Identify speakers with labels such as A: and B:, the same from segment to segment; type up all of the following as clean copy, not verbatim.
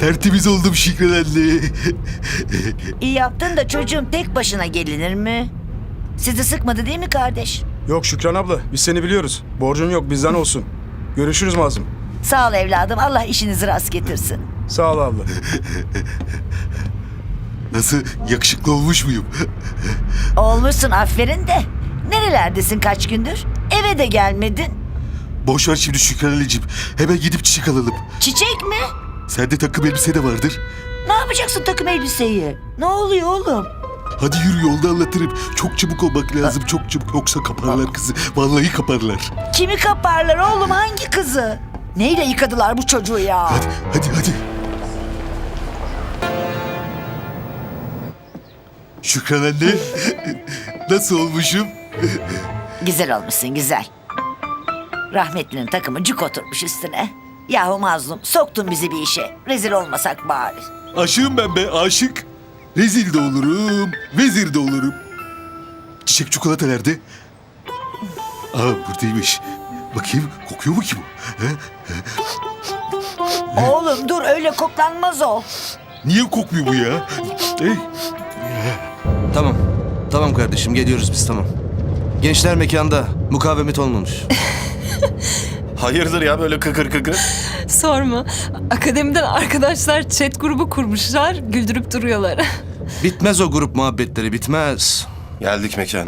A: Tertemiz oldum Şükran anne.
B: İyi yaptın da çocuğum tek başına gelinir mi? Sizi sıkmadı değil mi kardeş?
C: Yok Şükran abla, biz seni biliyoruz. Borcun yok, bizden olsun. Görüşürüz Mazlum.
B: Sağ ol evladım. Allah işinizi rast getirsin.
C: Sağ ol abla.
A: Nasıl, yakışıklı olmuş muyum?
B: Olmuşsun aferin de. Nerelerdesin kaç gündür? Eve de gelmedin.
A: Boş ver şimdi Şükran anneciğim. Hemen gidip çiçek alalım.
B: Çiçek mi?
A: Sende takım elbise de vardır.
B: Ne yapacaksın takım elbiseyi? Ne oluyor oğlum?
A: Hadi yürü, yolda anlatırım. Çok çabuk olmak lazım, çok çabuk. Yoksa kaparlar kızı. Vallahi kaparlar.
B: Kimi kaparlar oğlum, hangi kızı? Neyle yıkadılar bu çocuğu ya?
A: Hadi. Şükran anne. Nasıl olmuşum?
B: Güzel olmuşsun güzel. Rahmetlinin takımı cuk oturmuş üstüne. Yahu mazlum, soktun bizi bir işe. Rezil olmasak bari.
A: Aşığım ben be, aşık. Rezil de olurum, vezir de olurum. Çiçek çikolata nerede? Aa, buradaymış. Bakayım, kokuyor mu ki bu? He?
B: Oğlum dur, öyle koklanmaz o.
A: Niye kokmuyor bu ya? Hey,
D: Tamam kardeşim, geliyoruz biz, tamam. Gençler mekanda, mukavemet olmamış.
E: Hayırdır ya böyle kıkır kıkır?
F: Sorma. Akademiden arkadaşlar chat grubu kurmuşlar. Güldürüp duruyorlar.
D: Bitmez o grup muhabbetleri, bitmez.
E: Geldik mekana.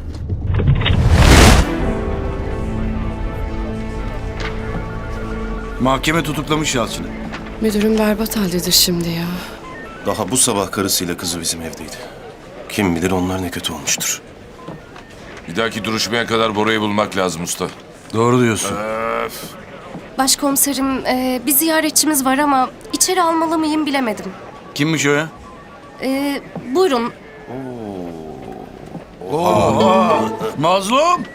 G: Mahkeme tutuklamış Yalçın'ı.
H: Müdürüm berbat haldedir şimdi ya.
E: Daha bu sabah karısıyla kızı bizim evdeydi. Kim bilir onlar ne kötü olmuştur.
I: Bir dahaki duruşmaya kadar Bora'yı bulmak lazım usta.
G: Doğru diyorsun.
H: Başkomiserim, bir ziyaretçimiz var ama içeri almalı mıyım bilemedim.
G: Kimmiş o ya?
H: Buyurun.
G: Mazlum!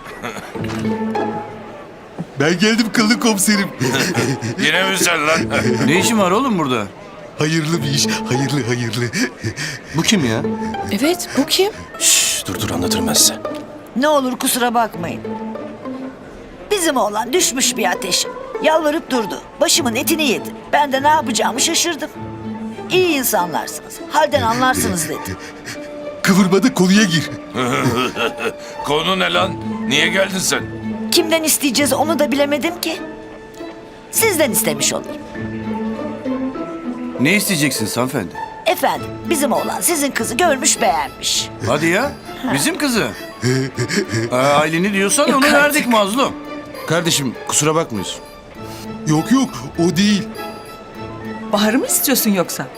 A: ben geldim kıllı komiserim.
I: Yine mi sen lan?
G: Ne işin var oğlum burada?
A: Hayırlı bir iş, hayırlı.
D: Bu kim ya?
H: Evet, bu kim?
E: Şşş dur anlatırım ben size.
B: Ne olur kusura bakmayın. Bizim oğlan düşmüş bir ateşe. Yalvarıp durdu. Başımın etini yedi. Ben de ne yapacağımı şaşırdım. İyi insanlarsınız. Halden anlarsınız dedi.
A: Kıvırmada konuya gir.
I: Konu ne lan? Niye geldin sen?
B: Kimden isteyeceğiz onu da bilemedim ki. Sizden istemiş olayım.
G: Ne isteyeceksiniz hanımefendi?
B: Efendim, bizim oğlan sizin kızı görmüş beğenmiş.
G: Hadi ya, bizim kızı. Aileni diyorsan onu verdik Mazlum.
D: Kardeşim, kusura bakmıyorsun.
A: Yok, o değil.
F: Bahar'ı mı istiyorsun yoksa?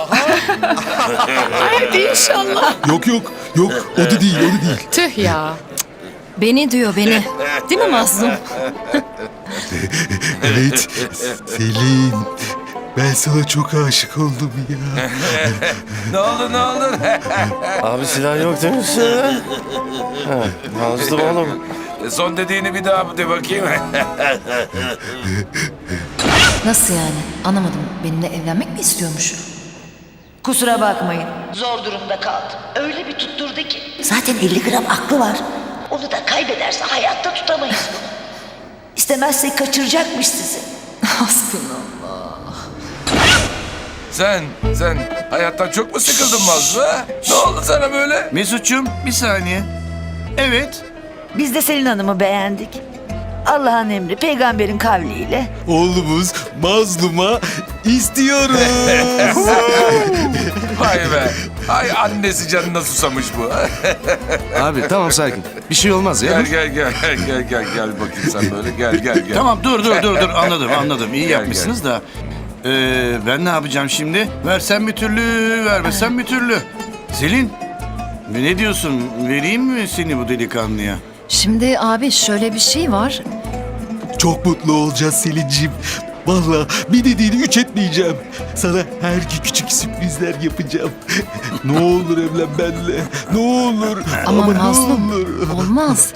A: Yok, o da değil.
H: Tüh ya.
F: Beni diyor, beni. Değil mi Mazlum?
A: Evet, Selin. Ben sana çok aşık oldum ya.
I: Ne oldu?
E: Abi silah yok demişsin. Mazlum oğlum.
I: Son dediğini bir daha de bakayım.
J: Nasıl yani? Anlamadım. Benimle evlenmek mi istiyormuş?
B: Kusura bakmayın. Zor durumda kaldım. Öyle bir tutturdu ki. Zaten 50 gram aklı var. Onu da kaybederse hayatta tutamayız bunu. İstemezsek kaçıracakmış sizi.
I: Sen hayattan çok mu sıkıldın Mazlum ha? Ne oldu sana böyle?
G: Mesut'cum, bir saniye. Evet.
B: Biz de Selin Hanım'ı beğendik. Allah'ın emri, peygamberin kavliyle.
A: Oğlumuz Mazlum'a istiyoruz.
I: Vay be. Ay annesi canına susamış bu.
D: Abi tamam, sakin. Bir şey olmaz ya.
I: Gel bakayım sen böyle. Gel.
G: Tamam dur. Anladım. İyi yapmışsınız da. Ben ne yapacağım şimdi? Versem bir türlü, vermesem bir türlü. Selin, ne diyorsun? Vereyim mi seni bu delikanlıya?
J: Şimdi abi şöyle bir şey var.
A: Çok mutlu olacağız Selin'ciğim. Vallahi bir dediğini üç etmeyeceğim. Sana her gün küçük sürprizler yapacağım. Ne olur evlen benimle. Ne olur.
J: Ama
A: ne
J: Mazlum,
A: olur.
J: olmaz.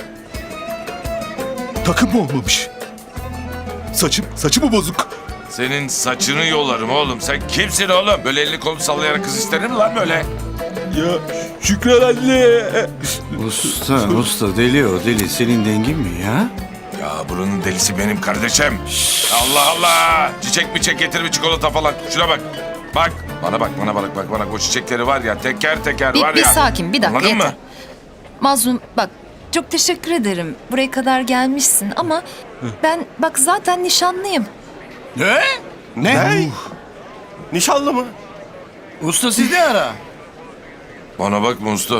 A: Takım mı olmamış? Saçı mı bozuk?
I: Senin saçını yolarım oğlum. Sen kimsin oğlum? Böyle elini kolunu sallayarak kız istenir mi lan böyle?
A: Ya Şükran anne.
G: Usta deli o deli. Senin dengin mi ya?
I: Ya buranın delisi benim kardeşim. Allah Allah. Çiçek mi getir mi çikolata falan. Şuna bak. Bak. Bana bak. O çiçekleri var ya teker teker var ya.
J: Bir sakin, bir dakika
I: Anladın
J: yeter.
I: mı?
J: Mazlum bak, çok teşekkür ederim. Buraya kadar gelmişsin ama ben bak zaten nişanlıyım.
G: Ne?
E: Ne? Nişanlı mı?
G: Usta siz ne ara?
I: Bana bak Mustu.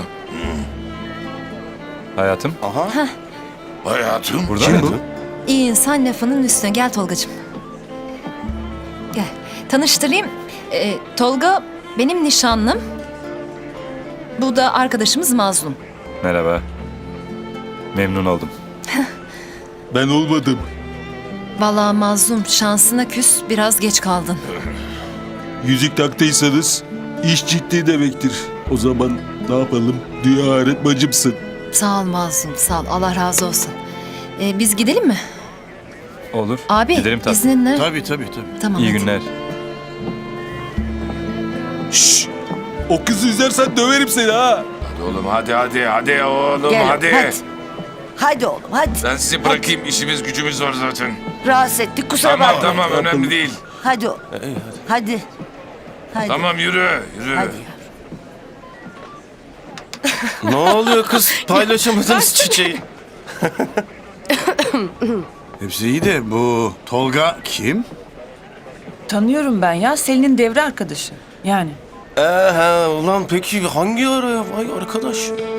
C: Hayatım.
I: Hayatım.
C: Burada mı?
J: İyi insan lafının üstüne. Gel Tolgacığım. Gel. Tanıştırayım. Tolga benim nişanlım. Bu da arkadaşımız Mazlum.
C: Merhaba. Memnun oldum.
A: Ben olmadım.
J: Vallahi Mazlum şansına küs, biraz geç kaldın.
A: Yüzük taktıysanız iş ciddi demektir. O zaman ne yapalım? Dünya ahiret bacımsın.
J: Sağ ol Mazlum, sağ ol. Allah razı olsun. Biz gidelim mi?
C: Olur.
J: Abi
C: Gidelim tabii.
J: izninle.
G: Tabii.
J: Tamam,
C: İyi
J: hadi.
C: günler.
A: Şşş! O kızı üzersen döverim seni ha.
I: Hadi oğlum hadi oğlum
B: Gel
I: hadi.
B: Hadi oğlum hadi.
I: Ben sizi bırakayım işimiz gücümüz var zaten.
B: Rahatsız ettik kusura
I: Tamam
B: bakmayın.
I: tamam önemli değil.
B: Hadi oğlum. Hadi. Hadi.
I: Tamam yürü.
B: Hadi.
E: Ne oluyor kız? Paylaşamadınız çiçeği.
G: Hepsi iyi de bu Tolga kim?
K: Tanıyorum ben ya. Selin'in devre arkadaşı. Yani.
E: Ulan peki hangi araya? Vay arkadaş.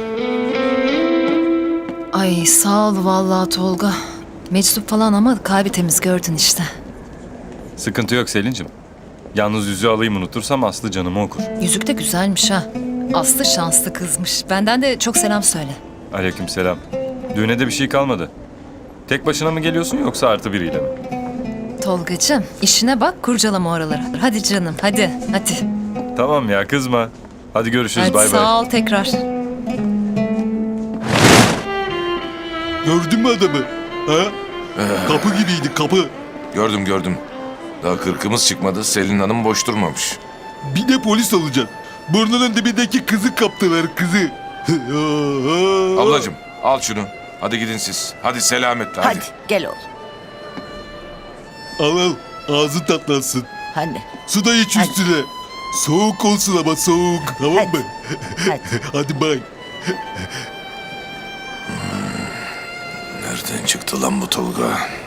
J: Ay sağ ol vallahi Tolga. Meczup falan ama kalbi temiz, gördün işte.
C: Sıkıntı yok Selin'cim. Yalnız yüzüğü alayım unutursam Aslı canımı okur.
J: Yüzük de güzelmiş ha. Aslı şanslı kızmış. Benden de çok selam söyle.
C: Aleykümselam. Düğüne de bir şey kalmadı. Tek başına mı geliyorsun yoksa artı biriyle mi?
J: Tolgacığım işine bak, kurcalama oraları. Hadi canım hadi.
C: Tamam ya kızma. Hadi görüşürüz
J: Hadi
C: bay bay.
J: sağ ol tekrar.
A: Gördün mü adamı? Ha? Kapı gibiydi kapı.
I: Gördüm. Daha kırkımız çıkmadı. Selin Hanım boş durmamış.
A: Bir de polis olacaksın. Burnunun dibindeki kızı kaptılar kızı.
I: Ablacığım al şunu. Hadi gidin siz. Hadi selametle hadi.
B: Hadi gel oğlum.
A: Al ağzın tatlansın.
B: Hadi.
A: Su da iç
B: Hadi.
A: üstüne. Soğuk olsun ama soğuk. Tamam mı?
B: Hadi.
A: Hadi bay.
I: Nereden çıktı lan bu Tolga?